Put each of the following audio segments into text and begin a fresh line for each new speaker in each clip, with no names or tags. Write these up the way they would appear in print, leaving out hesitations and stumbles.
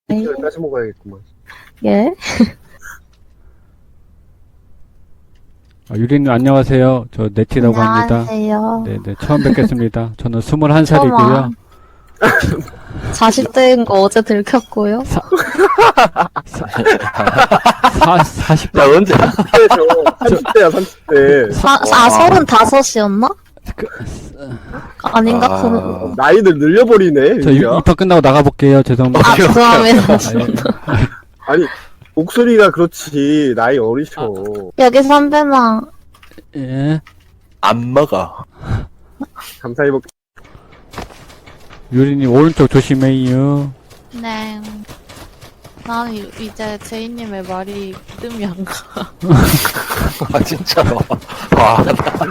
이걸 따서 먹어야겠구만.
예?
아, 유리님 안녕하세요. 저 네티라고 합니다.
안녕하세요.
네네, 처음 뵙겠습니다. 저는 21살이고요.
40대인 거 어제 들켰고요.
40대.
야, 언제?
30대야, 30대.
35이었나? 아닌가?
아,
나이를 늘려버리네,
저
유리야.
입학 끝나고 나가볼게요. 죄송합니다.
아, 죄송합니다.
아니, 목소리가 그렇지, 나이 어리셔.
여기 선배랑,
예.
안 먹어.
감사히 먹,
유리님 오른쪽 조심해요.
네. 난 이제 제이님의 말이 믿음이 안 가.
아, 진짜로. 와.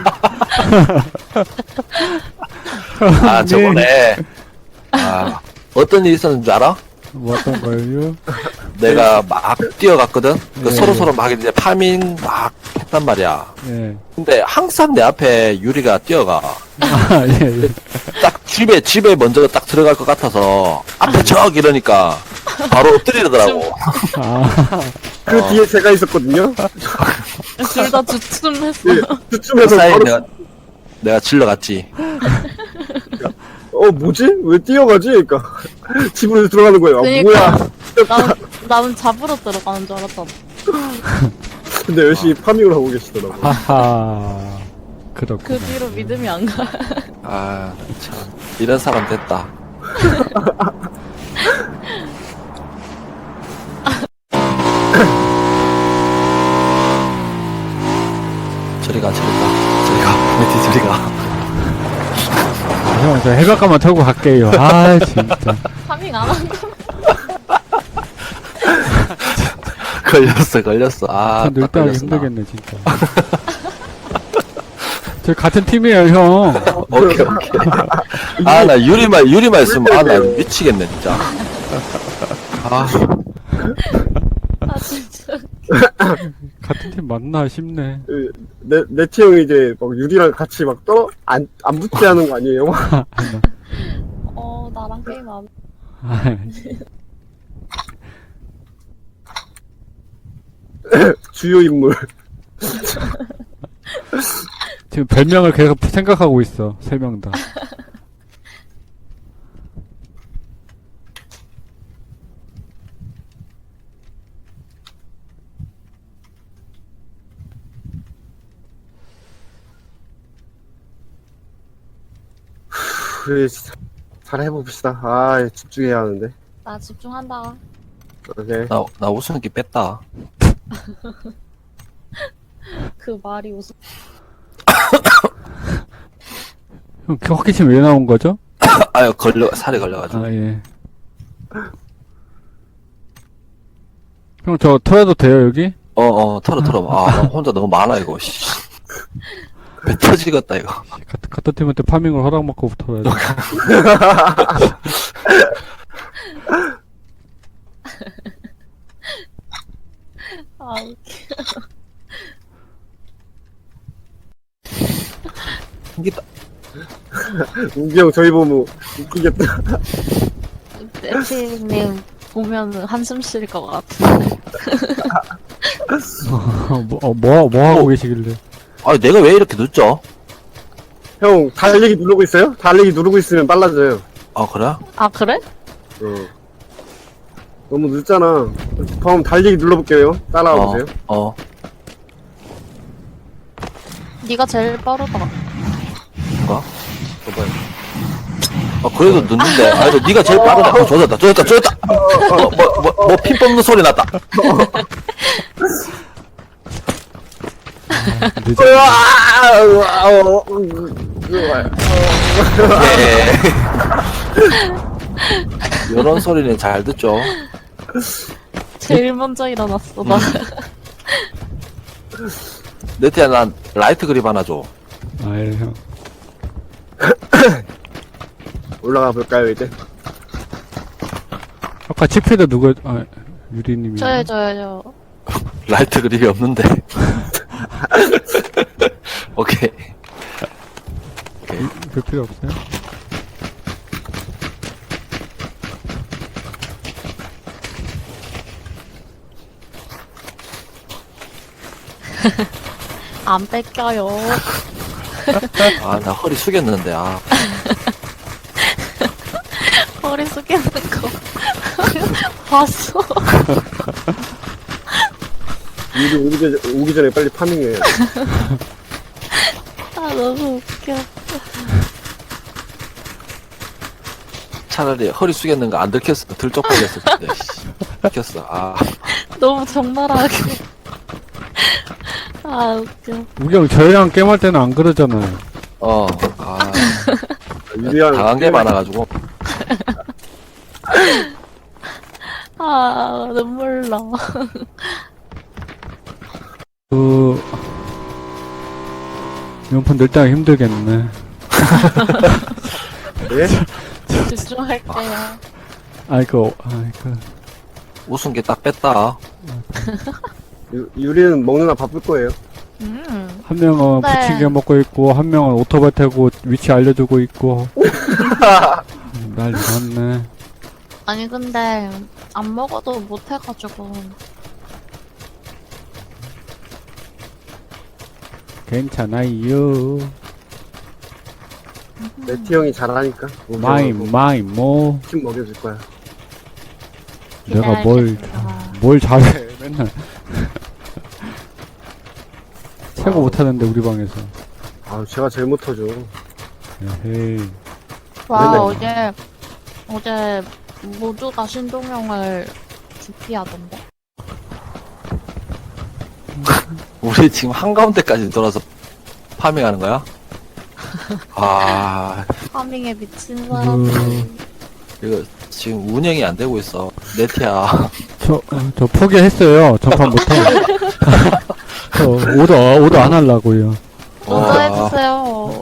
아, 저번에. 아, 어떤 일이 있었는지 알아?
뭐 어떤 거요?
내가 막 뛰어갔거든?
네.
서로서로 막 이제 파밍 막 했단 말이야.
예.
근데 항상 내 앞에 유리가 뛰어가.
아, 예, 예.
딱 집에 먼저 딱 들어갈 것 같아서 앞에 적 이러니까 바로 엎드리더라고.
아,
그 뒤에 제가 있었거든요.
둘 다 주춤했어.
예,
그
그쯤에서
사이에
바로,
내가 질러갔지.
뭐지? 왜 뛰어가지? 그니까. 집으로 들어가는 거예요.
그러니까.
뭐야.
나는 잡으러 들어가는 줄 알았잖아.
근데 열심히 파밍을 하고 계시더라고.
하하.
그
그렇구나.
뒤로 믿음이 안 가.
아, 참. 이런 사람 됐다. 저리가. 메티 저리가.
형, 저 해변가만 타고 갈게요. 아, 진짜.
파밍 안 한다.
걸렸어. 아,
전
딱
늙다 하기
걸렸어. 나.
힘들겠네, 진짜. 저 같은 팀이에요, 형.
오케이. 아, 나 유리말 있으면, 아, 나 미치겠네, 진짜. 아,
아, 진짜.
같은 팀 맞나 싶네.
네티 형이 이제 막 유리랑 같이 막 안 붙게 하는 거 아니에요?
나랑 게임 안 해.
아,
주요 인물.
지금 별명을 계속 생각하고 있어, 세 명 다.
그래, 진짜. 잘 해봅시다. 아, 집중해야 하는데.
나 집중한다.
오케이.
나 웃음기 뺐다.
그 말이 웃음.
형, 호기심 왜 나온 거죠?
아유, 살이 걸려가지고.
아, 예. 형, 저 털어도 돼요, 여기?
털어. 아, 나 혼자 너무 많아, 이거, 씨. 배 터지겠다, 이거.
같은 팀한테 파밍을 허락받고 털어야 돼.
아, 웃겨.
생기다.
우기 형 저희 보면 웃기겠다.
네티님 보면 한숨 쉴 것 같은데.
뭐 하고 계시길래.
아, 내가 왜 이렇게 늦죠?
형, 달리기 누르고 있어요? 달리기 누르고 있으면 빨라져요.
아, 그래?
아, 그래?
너무 늦잖아. 다음 달리기 눌러볼게요. 따라와 보세요.
네가 제일 빠르다.
뭔가? 그래도 늦는데. 아, 그래도 네가 제일 빠르다. 조졌다. 뭐, 핀 뽑는 소리 났다.
늦어.
예. 이런 소리는 잘 듣죠.
제일 먼저 일어났어, 나.
네티야, 난 라이트 그립 하나 줘.
아, 예, 형.
올라가 볼까요, 이제?
아까 치피드 유리님이.
저요.
라이트 그립이 없는데. 오케이.
별 필요 없어요?
안 뺏겨요.
아, 나 허리 숙였는데, 아.
허리 숙이는 거 봤어.
유리 오기 전에 빨리 파밍해.
아 너무 웃겨.
차라리 허리 숙였는 거 안 들켰어. 들쪽팔렸을 텐데, 씨. 들켰어, 아.
너무 적나라하게. 아 웃겨.
우경 저희랑 게임할 때는 안 그러잖아요.
아.
유리랑
당한 게 많아가지고.
아 눈물 나.
이번 늘 때가 힘들겠네.
예?
집중할게요.
아이고.
웃은 게 딱 뺐다.
유리는 먹느라 바쁠 거예요.
한 명은
네.
부침개 먹고 있고, 한 명은 오토바이 타고 위치 알려주고 있고. 난리 났네.
아니 근데 안 먹어도 못 해가지고.
괜찮아요.
네티 형이 잘하니까.
뭐.
팀 먹여줄 거야.
내가
기다리겠습니다.
뭘 잘해, 맨날. 최고 못하는데, 우리 방에서.
아, 제가 제일 못하죠.
에헤이.
와
맨날
어제 모두가 신동영을 기피하던데.
우리 지금 한가운데까지 돌아서 파밍하는 거야? 아,
파밍에 미친 사람들.
이거 지금 운영이 안 되고 있어. 네티야.
저 포기했어요. 전판부터. 저 오더 안 하려고요.
먼저 해주세요.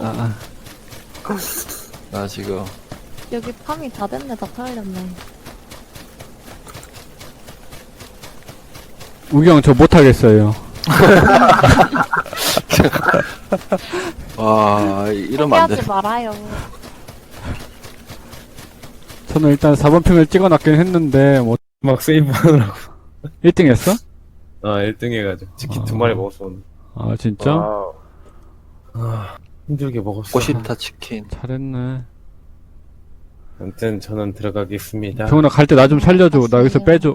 나 지금
여기 파밍 다 됐네. 다 털렸네.
우경 저 못하겠어요.
와 이러면 안 돼.
포기하지 말아요.
저는 일단 4번 핑을 찍어놨긴 했는데, 뭐,
막 세이브하느라고
1등 했어?
1등 해가지고 치킨 2마리 먹었어 오늘.
아, 진짜?
힘들게 먹었어.
꼬시타 치킨.
잘했네.
아무튼 저는 들어가겠습니다.
병원아 갈 때 나 좀 살려줘. 나 여기서 빼줘.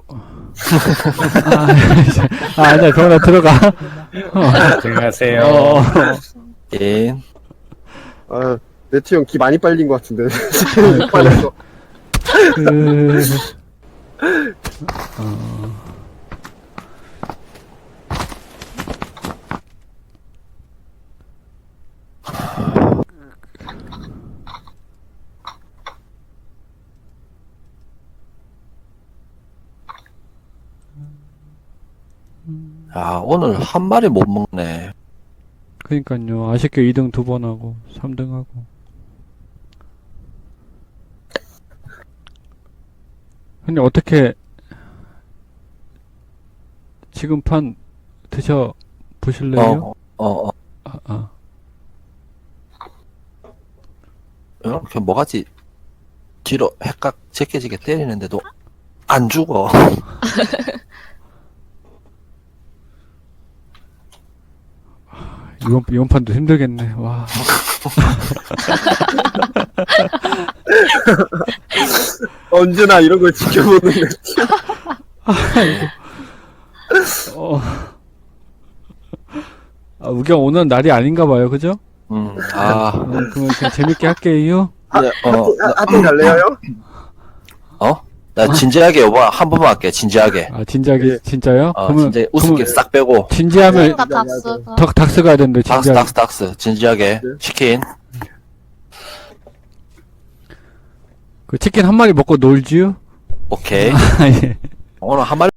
아니야, 병원아 들어가.
안녕하세요.
인.
아, 네티 형 기 많이 빨린 것 같은데. 못 빨렸어.
야 오늘 한 마리 못 먹네.
그니까요. 아쉽게 2등 2번 하고, 3등 하고. 근데 어떻게, 지금 판 드셔 보실래요?
이렇게 뭐가지 뒤로 헷각 제껴지게 때리는데도 안 죽어.
이번 판도 힘들겠네. 와.
언제나 이런 걸 지켜보는 네티.
우경 오늘 날이 아닌가 봐요. 그죠? 그러면 그냥 재밌게 할게요.
네,
하트 갈래요, 형?
나 진지하게 요번 한 번만 할게. 진지하게.
아, 진지하게,
예.
진짜요?
진짜 웃음기 싹 빼고.
진지하면,
다 닥스가.
닥스 가야 되는데,
닥스
진지하게.
닥스 진지하게.
네.
치킨.
그 치킨 한 마리 먹고 놀지요?
오케이.
아, 예.
오늘 한 마리